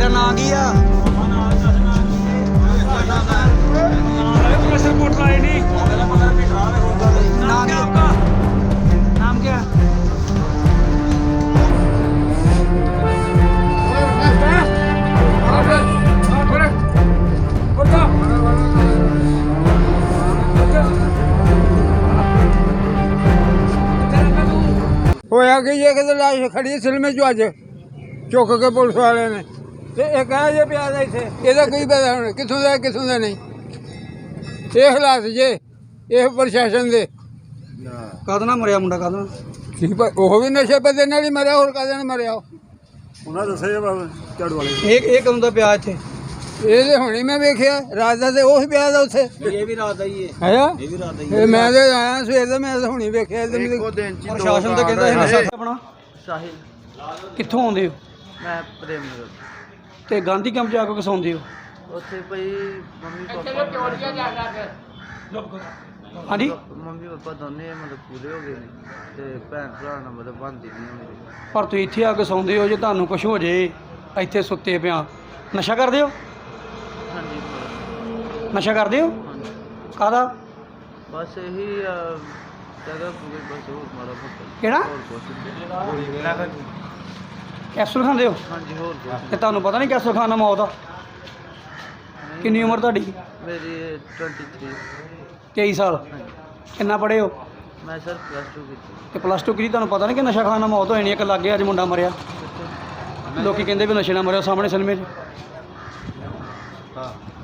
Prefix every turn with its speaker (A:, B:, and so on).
A: ਤੇਰਾ ਨਾਂ ਕੀ ਆ? नाम क्या?
B: ਹੋਇਆ ਕਿ ਇਹ ਕਿਤੇ ਲਾਸ਼ ਖੜੀ ਸਿਲਮੇ ਚੋਂ ਅੱਜ ਚੁੱਕ ਕੇ ਪੁਲਿਸ ਵਾਲਿਆਂ ਨੇ ਤੇ ਇਹ ਕਹੇ ਜੇ ਪਿਆ ਦਾ ਇੱਥੇ ਇਹਦਾ ਕੋਈ ਪਤਾ ਹੁਣ ਕਿੱਥੋਂ ਦਾ ਨਹੀਂ। ਇਹ ਹਾਲਾਤ ਜੇ ਇਹ ਪ੍ਰਸ਼ਾਸਨ ਦੇ
A: ਕਾਹਦੇ ਨਾਲ ਮਰਿਆ ਮੁੰਡਾ? ਕਾਹਦੇ ਨਾਲ?
B: ਕੀ ਉਹ ਵੀ ਨਸ਼ੇ ਪੱਤੇ ਨਾਲ ਹੀ ਮਰਿਆ, ਹੋਰ ਕਾਹਦੇ ਨਾਲ ਮਰਿਆ?
C: ਉਹਨਾਂ ਦੱਸਿਆ ਝਾੜੂ ਵਾਲੇ
A: ਇਹ ਕਦੋਂ ਦਾ ਪਿਆ ਇੱਥੇ?
B: ਇਹਦੇ ਹੁਣੇ ਮੈਂ ਵੇਖਿਆ ਰਾਤ ਦਾ ਤੇ ਉਹ ਹੀ ਪਿਆ ਦਾ ਉੱਥੇ।
A: ਇਹ ਵੀ ਰਾਤ ਦਾ ਹੀ ਹੈ।
B: ਹੈ
A: ਇਹ ਵੀ ਰਾਤ ਦਾ ਹੀ
B: ਇਹ ਮੈਂ ਤੇ ਆਇਆ ਸਵੇਰ ਦਾ, ਮੈਂ ਤਾਂ ਹੁਣੇ ਵੇਖਿਆ।
C: ਇੱਕੋ ਦਿਨ ਚ
A: ਪ੍ਰਸ਼ਾਸਨ ਤਾਂ ਕਹਿੰਦਾ ਇਹ ਨਸ਼ਾ ਆਪਣਾ।
D: ਸਾਹਿਲ
A: ਕਿੱਥੋਂ ਆਉਂਦੇ ਹੋ
D: ਮੈਂ ਪ੍ਰੇਮ ਨਗਰ
A: ਤੇ ਗਾਂਧੀ ਕੈਂਪ ਜਾ ਕੇ ਕਿਸਾਉਂਦੇ ਹੋ?
D: ਉੱਥੇ ਭਈ ਮੰਮੀ ਪਾਪਾ ਦੋਨੇ ਮਤਲਬ ਪੂਰੇ ਹੋ ਗਏ ਨੇ ਤੇ ਭੈਣ ਭਰਾ ਨਾਲ ਮਤਲਬ ਬਣਦੀ ਨਹੀਂ ਮੇਰੀ।
A: ਪਰ ਤੁਸੀਂ ਇੱਥੇ ਆ ਕੇ ਸੌਂਦੇ ਹੋ, ਜੇ ਤੁਹਾਨੂੰ ਕੁਝ ਹੋ ਜੇ ਇੱਥੇ ਸੁੱਤੇ ਪਿਆ। ਨਸ਼ਾ ਕਰਦੇ ਹੋ?
D: ਹਾਂਜੀ
A: ਨਸ਼ਾ ਕਰਦੇ ਹੋ?
D: ਹਾਂਜੀ
A: ਕਾਹਦਾ?
D: ਬਸ ਇਹੀ ਜਗ੍ਹਾ ਪੂਰੀ ਬਸ ਹੋਰ ਮਾੜਾ ਮੋਟਾ
A: ਕਿਹੜਾ?
D: ਹੋਰ ਕੁਛ
A: ਕੈਪਸੂਲ ਖਾਂਦੇ ਹੋ?
D: ਹਾਂਜੀ ਹੋਰ ਕੁਛ
A: ਤੇ ਤੁਹਾਨੂੰ ਪਤਾ ਨਹੀਂ ਕੈਪਸੂਲ ਖਾਣ ਨਾਲ ਮੌਤ ਆ? ਕਿੰਨੀ ਉਮਰ ਤੁਹਾਡੀ?
D: ਮੇਰੀ 23
A: 23 ਸਾਲ।
D: ਹਾਂਜੀ
A: ਕਿੰਨਾ ਪੜ੍ਹੇ ਹੋ?
D: ਮੈਂ ਸਰ +2 ਕੀਤੀ
A: ਤੇ +2 ਕੀਤੀ। ਤੁਹਾਨੂੰ ਪਤਾ ਨਹੀਂ ਕਿ ਨਸ਼ਾ ਖਾਣ ਨਾਲ ਮੌਤ ਹੋ ਜਾਣੀ? ਇੱਕ ਲੱਗੇ ਅੱਜ ਮੁੰਡਾ ਮਰਿਆ, ਲੋਕੀ ਕਹਿੰਦੇ ਵੀ ਨਸ਼ੇ ਨਾਲ ਮਰਿਆ ਸਾਹਮਣੇ ਸਿਨੇਮੇ 'ਚ।
D: ਹਾਂ